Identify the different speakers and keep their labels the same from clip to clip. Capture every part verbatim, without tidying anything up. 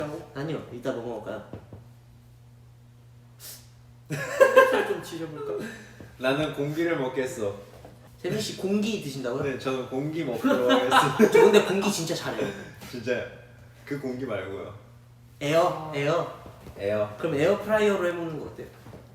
Speaker 1: 아니요, 이따 뭐 먹을까요?
Speaker 2: 삼겹살 좀 지져볼까?
Speaker 3: 나는 공기를 먹겠어.
Speaker 1: 세빈 씨 공기 드신다고요?
Speaker 3: 네, 저는 공기 먹도록 하겠습니다.
Speaker 1: 저 근데 공기 진짜 잘해요.
Speaker 3: 진짜 그 공기 말고요.
Speaker 1: 에어, 에어.
Speaker 3: 에어.
Speaker 1: 그럼 에어프라이어로 해먹는 거 어때요?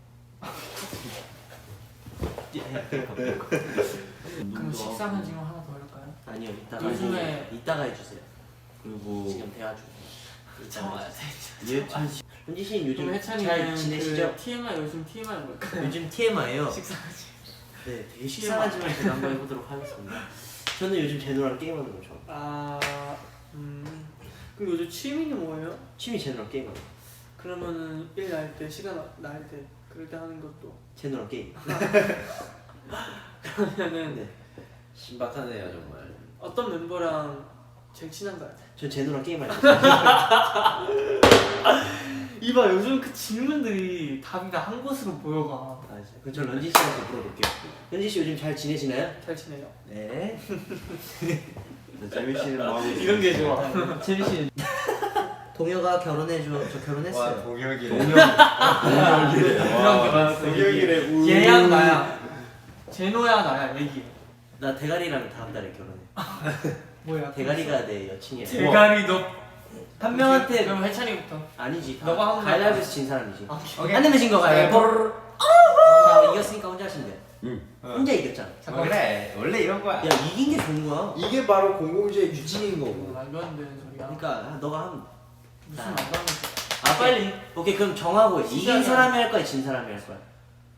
Speaker 2: 그럼 식사는 지금 하나 더 할까요?
Speaker 1: 아니요, 이따가
Speaker 2: 요즘에-
Speaker 1: 해- 이따가 해주세요.
Speaker 3: 그리고
Speaker 1: 지금 대화 중.
Speaker 2: 참아야 돼.
Speaker 1: 예찬 씨, 현지 씨는 요즘
Speaker 2: 그럼
Speaker 1: 잘
Speaker 2: 해찬이는
Speaker 1: 지내시죠?
Speaker 2: 그 티엠아이 요즘 티엠아이 뭘까요?
Speaker 1: 요즘 티엠아이요.
Speaker 2: 식사하지.
Speaker 1: 네, 되게 식상하지만 제가 한번 해보도록 하겠습니다. 저는 요즘 제노랑 게임하는 거 좋아해요.
Speaker 2: 아, 음. 그럼 요즘 취미는 뭐예요?
Speaker 1: 취미 제노랑 게임하는 거.
Speaker 2: 그러면은 일 날 때, 시간 날 때, 그럴 때 하는 것도.
Speaker 1: 제노랑 게임.
Speaker 2: 그러면은
Speaker 1: 네,
Speaker 3: 신박하네요 정말.
Speaker 2: 어떤 멤버랑 제일 친한가요?
Speaker 1: 전 제노랑 게임할 때.
Speaker 2: 이봐, 요즘 그 질문들이 답이 다 한 곳으로 모여가.
Speaker 1: 아, 그럼 저 런지 씨한테 물어볼게요. 런지 씨 요즘 잘 지내시나요?
Speaker 2: 잘 지내요.
Speaker 1: 네.
Speaker 3: 재민 씨는 뭐 하고
Speaker 2: 이런 게 좋아.
Speaker 1: 재민 씨는 동혁아 결혼해줘. 저
Speaker 3: 와
Speaker 1: 결혼했어요.
Speaker 3: 동혁이래.
Speaker 1: 동혁.
Speaker 3: 동혁이래.
Speaker 2: 이런 게
Speaker 3: 와
Speaker 2: 많았어.
Speaker 3: 동혁이래. 우.
Speaker 2: 얘야 나야. 제노야 나야. 얘기.
Speaker 1: 나 대가리랑 다음 달에 결혼해.
Speaker 2: 뭐야?
Speaker 1: 대가리가 내 여친이야.
Speaker 2: 대가리 너.
Speaker 1: 한 명한테
Speaker 2: 그럼 해찬이부터.
Speaker 1: 아니지.
Speaker 2: 너가 한 거야.
Speaker 1: 가위바위보에서 진 사람이지.
Speaker 2: 아,
Speaker 1: 안 내면 진 거 가위바위보. 자, 이겼으니까 혼자 하시면 돼요.
Speaker 3: 응.
Speaker 1: 혼자 이겼잖아.
Speaker 3: 어, 그래 원래 이런 거야.
Speaker 1: 야, 이긴 게 좋은 거야.
Speaker 3: 이게 바로 공공주의 유진인
Speaker 2: 어,
Speaker 3: 거고.
Speaker 2: 말도 안 되는 소리야.
Speaker 1: 그러니까 너가 하면.
Speaker 2: 무슨 말도 안 되는 소리야.
Speaker 1: 아 빨리. 오케이 그럼 정하고 이긴
Speaker 2: 시작이야.
Speaker 1: 사람이 할 거야, 진 사람이 할 거야.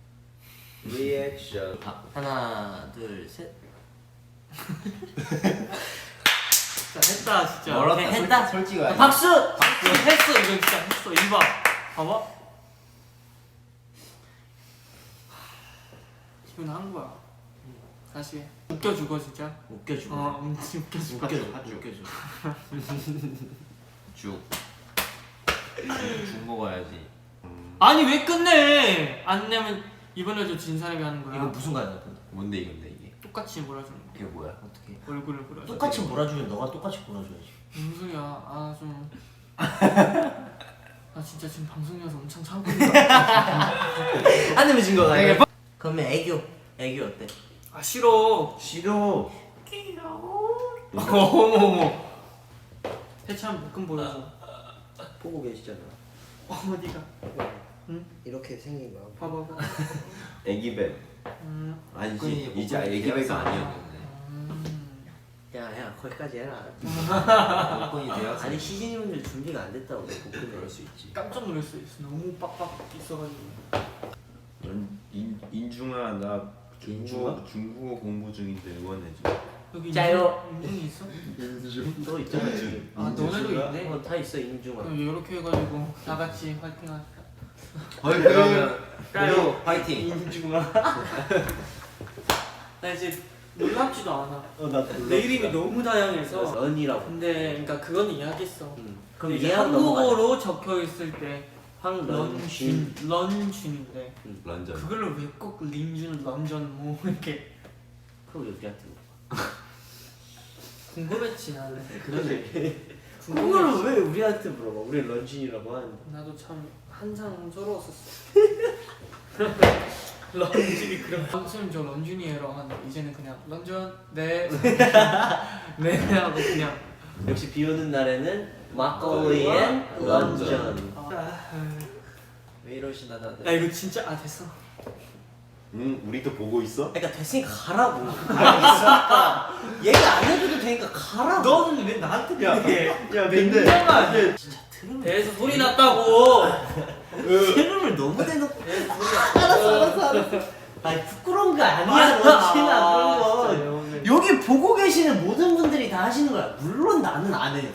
Speaker 3: 리액션.
Speaker 1: 아, 하나, 둘, 셋.
Speaker 2: 진짜 했다 진짜.
Speaker 1: 멀었다.
Speaker 2: 오케이,
Speaker 1: 했다.
Speaker 3: 솔직히
Speaker 1: 아,
Speaker 3: 말해.
Speaker 1: 박수.
Speaker 2: 박수 했어 이거 진짜 했어. 이봐. 봐봐. 기분 한 거야. 다시 해. 웃겨주고 진짜.
Speaker 1: 웃겨주고.
Speaker 2: 어, 음, 웃겨주고.
Speaker 1: 웃겨줘. 웃겨줘.
Speaker 3: 죽. 죽 먹어야지.
Speaker 2: 아니 왜 끝내? 안 내면 이번에도 진 사람이 하는 거야.
Speaker 1: 이거 무슨 가야 돼?
Speaker 3: 뭔데 이건데 이게?
Speaker 2: 똑같이 몰아주는 거.
Speaker 3: 이게 뭐야?
Speaker 1: 어떻게?
Speaker 2: 얼굴을 몰아줘.
Speaker 1: 똑같이 몰아주면 너가 똑같이 몰아줘야지.
Speaker 2: 무슨 소리야? 아 좀. 나 진짜 지금 방송이어서 엄청 참고 있는 거야.
Speaker 1: 안 내면 진 거가. 네. 그러면 애교. 애교 어때?
Speaker 2: 아 싫어.
Speaker 3: 싫어.
Speaker 2: 어머 어머. 해찬 묶음 보여줘.
Speaker 1: 보고 계시잖아.
Speaker 2: 어디가? 응?
Speaker 1: 이렇게 생긴 거야.
Speaker 2: 봐봐봐.
Speaker 3: 애기뱀.
Speaker 2: 음.
Speaker 3: 아니지. 이제 애기뱀이 아니었는데.
Speaker 2: 음.
Speaker 1: 야야 거기까지 해라.
Speaker 3: 복권이 되었어.
Speaker 1: 아니 시즌이분들 준비가 안 됐다고 복근
Speaker 3: 그럴 수 있지.
Speaker 2: 깜짝 놀랐어. 너무 빡빡 있어가지고.
Speaker 4: 인, 인, 인중아 나
Speaker 3: 인중아?
Speaker 4: 중국어, 중국어 공부 중인데 응원해줘.
Speaker 2: 여기
Speaker 1: 짜요.
Speaker 2: 인중, 인중이 있어?
Speaker 4: 인중?
Speaker 1: 너 있잖아 지금.
Speaker 2: 아 너네도 있네.
Speaker 1: 어, 다 있어 인중아.
Speaker 2: 그럼 이렇게 해가지고 다 같이 화이팅하자.
Speaker 3: 어이 그러면
Speaker 2: 까요.
Speaker 3: 파이팅.
Speaker 1: 인중아.
Speaker 2: 나 이제 놀랍지도 않아.
Speaker 1: 어나
Speaker 2: 내 이름이 너무 다양해서.
Speaker 1: 런이라고.
Speaker 2: 근데 그러니까 그건 이해하겠어.
Speaker 1: 응. 그럼
Speaker 2: 이게
Speaker 1: 이해하고 넘어가자.
Speaker 2: 한국어로 적혀 있을 때
Speaker 1: 황런쥔.
Speaker 2: 런쥔, 런쥔인데
Speaker 3: 런전.
Speaker 2: 그걸로 왜 꼭 린준, 런전 뭐 이렇게
Speaker 1: 그럼 우리한테.
Speaker 2: 궁금했지 나는.
Speaker 1: 그러네.
Speaker 2: 궁금했지.
Speaker 1: 그거를 왜 우리한테 물어봐? 우리 런쥔이라고 하는데.
Speaker 2: 나도 참 한상스러웠었어. 런쥔이 그런. 선생님 저 런쥔이에요 하는데 이제는 그냥 런쥔 네. 네 하고 그냥.
Speaker 1: 역시 비 오는 날에는 막걸리 앤 런전.
Speaker 2: 아,
Speaker 3: 왜 이러시나 다들.
Speaker 2: 야 이거 진짜 아 됐어.
Speaker 4: 응 우리도 보고 있어?
Speaker 1: 그러니까 됐으니까 가라고. 알겠으니까 얘기 안 해줘도 되니까 가라고.
Speaker 2: 너는 왜 나한테 그래?
Speaker 4: 야 근데
Speaker 2: 민정아.
Speaker 1: 진짜 트름을
Speaker 2: 배에서 소리 났다고.
Speaker 1: 트름을 너무 대놓고.
Speaker 2: 배에서 소리 났다고.
Speaker 1: 알았어 알았어 알았어. 아니 부끄러운 거 아니야 런쥔아 그런 거. 여기 보고 계시는 모든 분들이 다 하시는 거야. 물론 나는 안 해.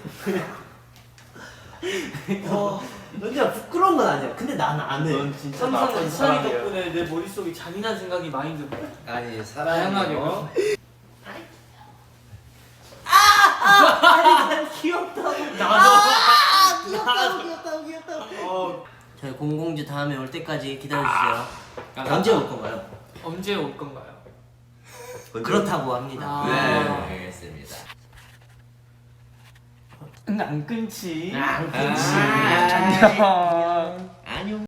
Speaker 1: 어, 런쥔아 부끄러운 건 아니야. 근데 나는 안 해.
Speaker 4: 넌 진짜
Speaker 2: 항상
Speaker 4: 나쁜
Speaker 2: 이찬이
Speaker 4: 사람이야.
Speaker 2: 덕분에 내 머릿속에 잔인한 생각이 많이 들어.
Speaker 3: 아니
Speaker 2: 다양하게.
Speaker 3: 사랑하게. 어?
Speaker 1: 아니 난 귀엽다고.
Speaker 2: 나도.
Speaker 1: 아, 귀엽다고 귀엽다고 귀엽다고.
Speaker 2: 어,
Speaker 1: 저희 공공주 다음에 올 때까지 기다려주세요. 언제 올 건가요?
Speaker 2: 언제 올 건가요?
Speaker 1: 그렇다고 합니다.
Speaker 2: 아.
Speaker 3: 네 알겠습니다.
Speaker 2: 근데 안 끊지.
Speaker 1: 안 끊지.
Speaker 2: 안녕.